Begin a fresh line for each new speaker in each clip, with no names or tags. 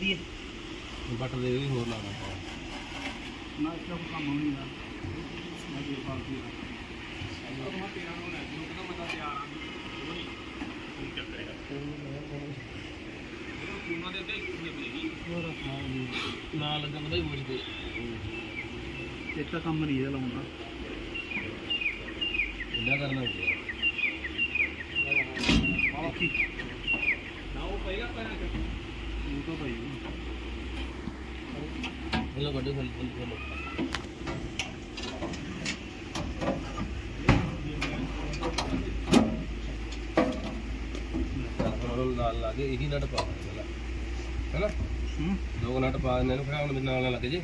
ਦੇਖੀਏ
ਬਟ ਦੇ ਵੀ ਹੋਰ ਲਾਣਾ
ਨਾ ਇਸ ਦਾ ਕੰਮ ਹੋਣੀ ਨਾ ਮੈਂ ਜੇ ਪਾਲਤੀ ਆ
ਉਹ ਮੈਂ ਤੇਰਾ ਨੂੰ ਲੈ ਜੂ ਕਹਿੰਦਾ ਮੈਂ ਤਾਂ ਤਿਆਰ ਆਂ ਉਹ ਨਹੀਂ ਕੀ ਚੱਕਰੇਗਾ ਉਹਨਾਂ ਦੇ ਅੱਗੇ ਕਿੰਨੇ ਬਲੇਗੀ
ਹੋਰ ਹਾਂ ਜੀ
ਨਾ ਲੱਗਾ ਪਤਾ ਹੀ ਮੁਝਦੇ
ਇੱਕ ਤਾਂ ਕੰਮ ਨਹੀਂ ਇਹਦਾ ਲਾਉਂਦਾ
ਇੰਨਾ ਕਰਨਾ ਹੁੰਦਾ
ਦੇਖੀ
ਨਾ ਉਹ ਪਏਗਾ ਪੈਰਾਂ ਚ
ਉਹ ਤਾਂ ਭਾਈ
ਇਹਨੂੰ ਵੱਡੇ ਫਲ ਫਲ ਨਾਲ ਲਾ ਕੇ ਇਹੀ ਨਟ ਪਾ ਦੇਣਾ ਹੈਨਾ ਦੋ ਨਟ ਪਾ ਦਿੰਦੇ ਇਹਨੂੰ ਫਿਰ ਹੁਣ ਨਾਲ ਨਾ ਲੱਗੇ ਜੀ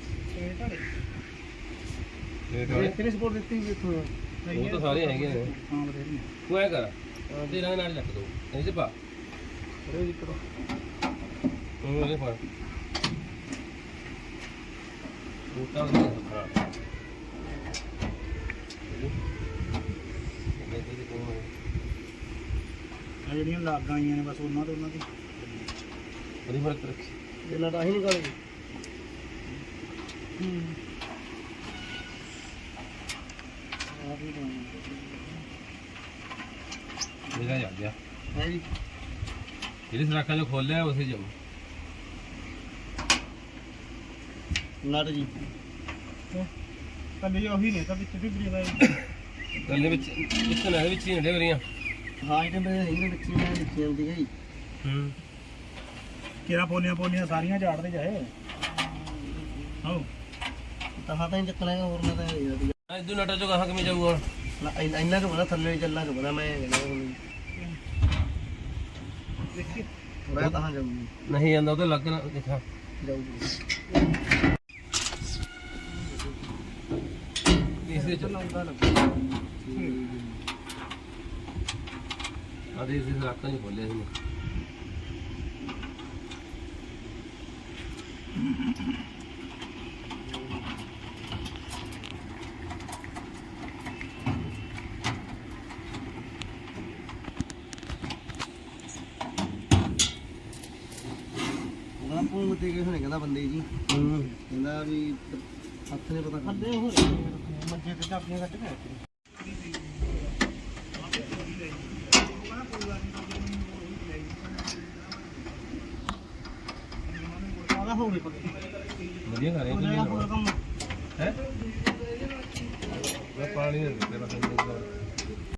ਕਿਹਨੇ ਸਪੋਰਟ ਦਿੱਤੀ ਵੀ ਇੱਥੋਂ
ਉਹ ਤਾਂ ਸਾਰੇ ਹੈਗੇ ਨੇ
ਹਾਂ ਬਥੇਰੀ
ਤੂੰ ਐ ਕਰ ਤੇਰਾ ਨਾਲ ਲੱਗ ਦੋ ਇਹ ਚ ਪਾ
ਅਰੇ ਜੀ ਕਰੋ
ਤੂੰ ਇਹ ਫੜ ਉਹ ਤਾਂ ਹਾਂ
ਆ ਜਿਹੜੀਆਂ ਲਾਗਾਂ ਆਈਆਂ ਨੇ ਬਸ ਉਹਨਾਂ ਦੀ
ਬੜੀ ਫਰਕ ਰੱਖੀ
ਇਹ ਲੜਾ ਹੀ ਨਿਕਾਲੇ ਆ ਵੀ
ਮੇਰਾ ਜਾ ਗਿਆ
ਹੈ ਜੀ
ਜਿਹੜੀ ਸਰਾਖਾਂ ਜੋ ਖੋਲਿਆ ਉਸੇ ਜਾਓ
ਨਟ ਜੀ ਕੱਲੇ ਉਹੀ ਨੇ ਤਾਂ ਵਿੱਚ ਵੀ ਬਰੀਵਾ
ਗੱਲੇ ਵਿੱਚ ਇਸ ਨਾਲ ਵਿੱਚ ਹੀ ਹੁੰਦੇ ਵਰੀਆਂ
ਹਾਂ ਇਹਦੇ ਮੇਰੇ ਵਿੱਚ ਲਿਖੀ ਆਉਂਦੀ ਹੈ ਜੀ ਕਿਹੜਾ ਪੋਲੀਆਂ ਸਾਰੀਆਂ ਝਾੜਦੇ ਜਾਏ ਹਾਂ ਤਾਂ ਤਾਂ ਹੀ ਚੱਕਣਾ ਹੋਰ ਨਾ ਤਾਂ
ਇਦੋਂ ਨਟਾ ਚੋਂ ਕਹਾਂ ਕਿਵੇਂ ਜਾਊਗਾ
ਇੰਨਾ ਕੁ ਪਤਾ ਥੱਲੇ ਚੱਲਣਾ ਕੁ ਪਤਾ ਮੈਂ ਦੇਖੀ ਮੈਂ ਤਾਂ ਜਾਊਗੀ
ਨਹੀਂ ਜਾਂਦਾ ਉਹ ਤਾਂ ਲੱਗ ਨਾ ਦੇਖਾਂ
ਜਾਊਗੀ
ਇਸੇ ਚ
ਲਾਉਂਦਾ ਲੱਗਾ
ਆਦੇ ਇਸੇ ਸਰਾਖਾਂ ਚ ਖੋਲਿਆ ਸੀ
ਉਹਦਾ ਭੂੰਗ ਤੇ ਕਿਸੇ ਨੇ ਕਹਿੰਦਾ ਬੰਦੇ ਜੀ ਕਹਿੰਦਾ ਵੀ ਹੱਥ ਨੇ ਪਤਾ ਕਰਦੇ ਹੋ ਮੰਜੇ ਤੇ ਚਾਪੀਆਂ ਕੱਟ ਕੇ ਆਦਾ ਹੋ ਗਈ ਪੱਕੀ
ਵਧੀਆ ਕਰ ਰਹੇ
ਹੋਰ ਕੰਮ
ਹੈ ਮੈਂ ਪਾਣੀ ਦੇ ਦਿੱਤੇ ਬਸ